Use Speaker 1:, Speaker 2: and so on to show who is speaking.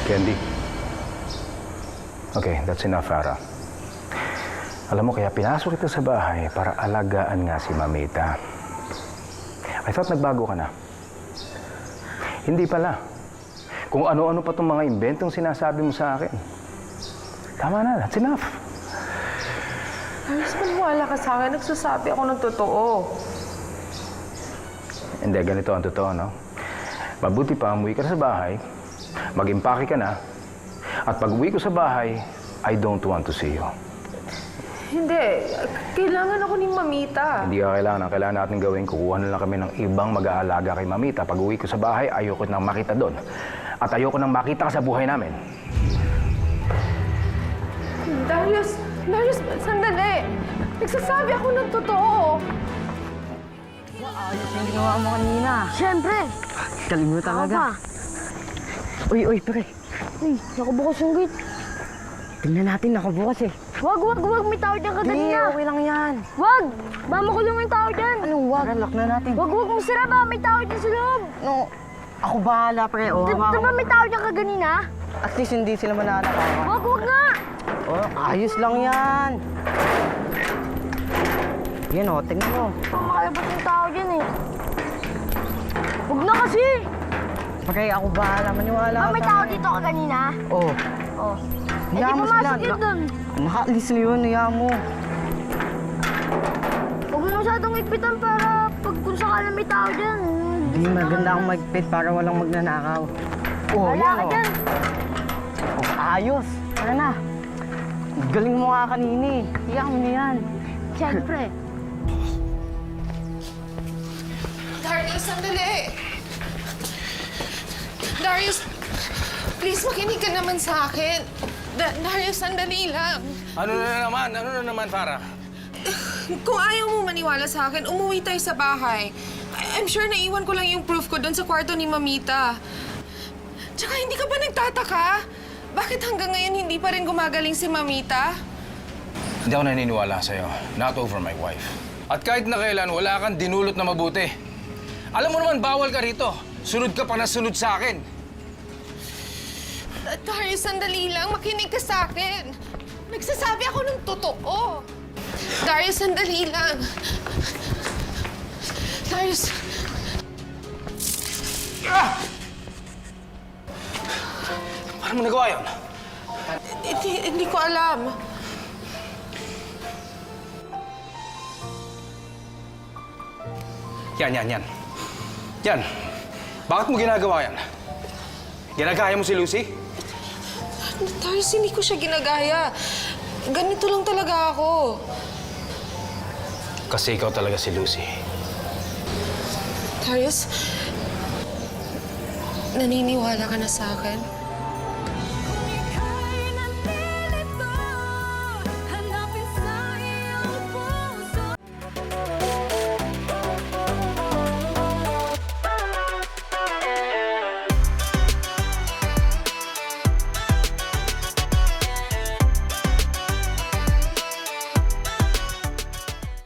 Speaker 1: Candy. Okay, that's enough, Farah. Alam mo, kaya pinasok kita sa bahay para alagaan nga si Mamita. I thought nagbago ka na. Hindi pala. Kung ano-ano pa itong mga inventong sinasabi mo sa akin. Tama na, that's enough.
Speaker 2: Ayos, maniwala ka sa akin. Nagsasabi ako ng totoo.
Speaker 1: Hindi, ganito ang totoo, no? Mabuti pa, umuwi ka na sa bahay, mag-impake ka na, at pag-uwi ko sa bahay, I don't want to see you.
Speaker 2: Hindi. Kailangan ako ni Mamita.
Speaker 1: Hindi ka kailangan. Ang kailangan natin gawin, kukuha na lang kami ng ibang mag-aalaga kay Mamita. Pag-uwi ko sa bahay, ayoko nang makita doon. At ayoko nang makita ka sa buhay namin.
Speaker 2: Darius, sandali. Nagsasabi ako ng totoo.
Speaker 3: Ayos yung ginawa mo kanina.
Speaker 4: Siyempre.
Speaker 3: Galing mo talaga. Uy, pre.
Speaker 4: Uy, nakabukas yung gate.
Speaker 3: Tingnan natin, nakabukas eh.
Speaker 4: Wag. May tao dyan kanina.
Speaker 3: Okay lang yan.
Speaker 4: Wag! Ba makulong yung tao dyan.
Speaker 3: Anong wag? Lock na natin.
Speaker 4: Wag mong sira ba? May tao dyan sa loob.
Speaker 3: No, ako bahala, pre. Oh,
Speaker 4: Diba may tao dyan kaganina?
Speaker 3: At least hindi sila mananakawan.
Speaker 4: Wag nga!
Speaker 3: Oh, ayos lang yan. Yan oh, tingnan mo.
Speaker 4: Makalabas yung tao dyan eh. Wag na kasi!
Speaker 3: Pre, ako bahala. Maniwala
Speaker 4: Ba
Speaker 3: ka
Speaker 4: may
Speaker 3: sa
Speaker 4: tao
Speaker 3: akin.
Speaker 4: dito kaganina?
Speaker 3: Oh,
Speaker 4: Oh. Eh di
Speaker 3: hayaan mo sila.
Speaker 4: pumasok yun dun.
Speaker 3: Nakaalis na yun, hayaan mo.
Speaker 4: Huwag mo masyadong ikpitan para pag kung sakala may tao dyan.
Speaker 3: Hindi maganda akong magpit para walang magnanakaw. Oh,
Speaker 4: Wala
Speaker 3: yan
Speaker 4: ka
Speaker 3: oh.
Speaker 4: dyan.
Speaker 3: Oh, ayos. Tara na. Galing mo nga kanina eh. Hayaan mo na yan.
Speaker 4: Siyempre.
Speaker 2: Darius, sandali. Darius, please makinig ka naman sa akin. Darius, sandali lang.
Speaker 5: Ano na naman, Farah?
Speaker 2: Kung ayaw mo maniwala sa akin, umuwi tayo sa bahay. I'm sure naiwan ko lang yung proof ko doon sa kwarto ni Mamita. Tsaka hindi ka ba nagtataka? Bakit hanggang ngayon hindi pa rin gumagaling si Mamita?
Speaker 5: Hindi ako naniniwala sa'yo. Not over my wife. At kahit na kailan, wala kang dinulot na mabuti. Alam mo naman, bawal ka rito. Sunod ka pa na sunod sa akin.
Speaker 2: Darius, sandali lang. Makinig ka sa akin. Nagsasabi ako ng totoo. Darius, sandali lang. Darius.
Speaker 5: Paano mo nagawa yun?
Speaker 2: Hindi ko alam.
Speaker 5: Yan. Yan. Bakit mo ginagawa yan? Ginagaya mo si Lucy?
Speaker 2: Darius, hindi ko siya ginagaya. Ganito lang talaga ako.
Speaker 5: Kasi ikaw talaga si Lucy.
Speaker 2: Darius, naniniwala ka na sa akin?